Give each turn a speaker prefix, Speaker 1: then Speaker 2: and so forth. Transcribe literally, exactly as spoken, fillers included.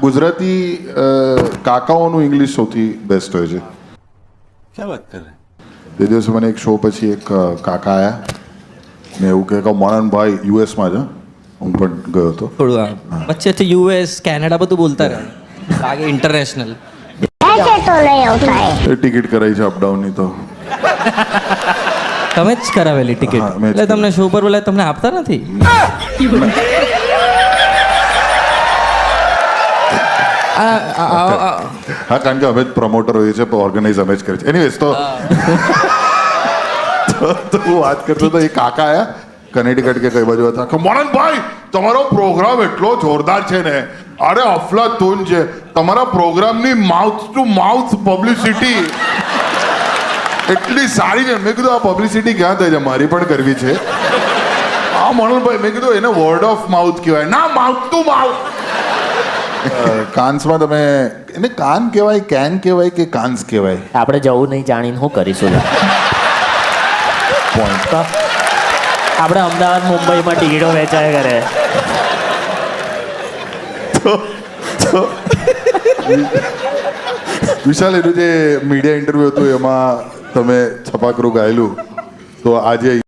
Speaker 1: ગુજરાતી કાકાઓનું ઇંગ્લિશ સૌથી બેસ્ટ હોય છે.
Speaker 2: ક્યાં વાત કરે?
Speaker 1: તે દિવસે મને એક શો પછી એક કાકા આયા ને એવું કહે કે મોહનભાઈ યુએસમાં છે, હું પણ ગયો હતો.
Speaker 3: થોડું વચ્ચેથી યુએસ કેનેડા બધું બોલતા રહે, લાગે ઇન્ટરનેશનલ.
Speaker 1: ટિકિટ કરાવી છે અપડાઉનની તો
Speaker 3: તમે જ કરાવેલી ટિકિટ
Speaker 1: હા, મેં જ
Speaker 3: એટલે તમને શો પર બોલાય તમને આપતા નથી? આ- આ- આ- આ-
Speaker 1: હા, કારણ કે અમે જ પ્રમોટર હોઈએ છીએ, ઓર્ગેનાઇઝ અમે જ કરીએ છીએ. એનીવેઝ તો તો હું વાત કરતો તો એ કાકા આયા કનેટિકટ કે કઈ બાજુ હતા કે મોહનભાઈ તમારો પ્રોગ્રામ એટલો જોરદાર છે ને, અરે અફલાતૂન છે તમારા પ્રોગ્રામની માઉથ ટુ માઉથ પબ્લિસિટી એટલી સારી છે. મેં કીધું આ પબ્લિસિટી ક્યાં થાય છે, મારી પણ કરવી છે. હા મોહનભાઈ, મેં કીધું એને વર્ડ ઓફ માઉથ કહેવાય ના, માઉથ ટુ માઉથ. કાન્સમાં તમે એને કાન કહેવાય, કેન કહેવાય કે કાન્સ કહેવાય?
Speaker 4: આપણે જવું નહીં, જાણીને શું કરીશું?
Speaker 1: પોઈન્ટ.
Speaker 4: તો આપણે અમદાવાદ મુંબઈમાં ટિકિટો વેચાય કરે.
Speaker 1: વિશાલ, એનું જે મીડિયા ઇન્ટરવ્યુ હતું એમાં તમે છપાકરું ગાયેલું, તો આજે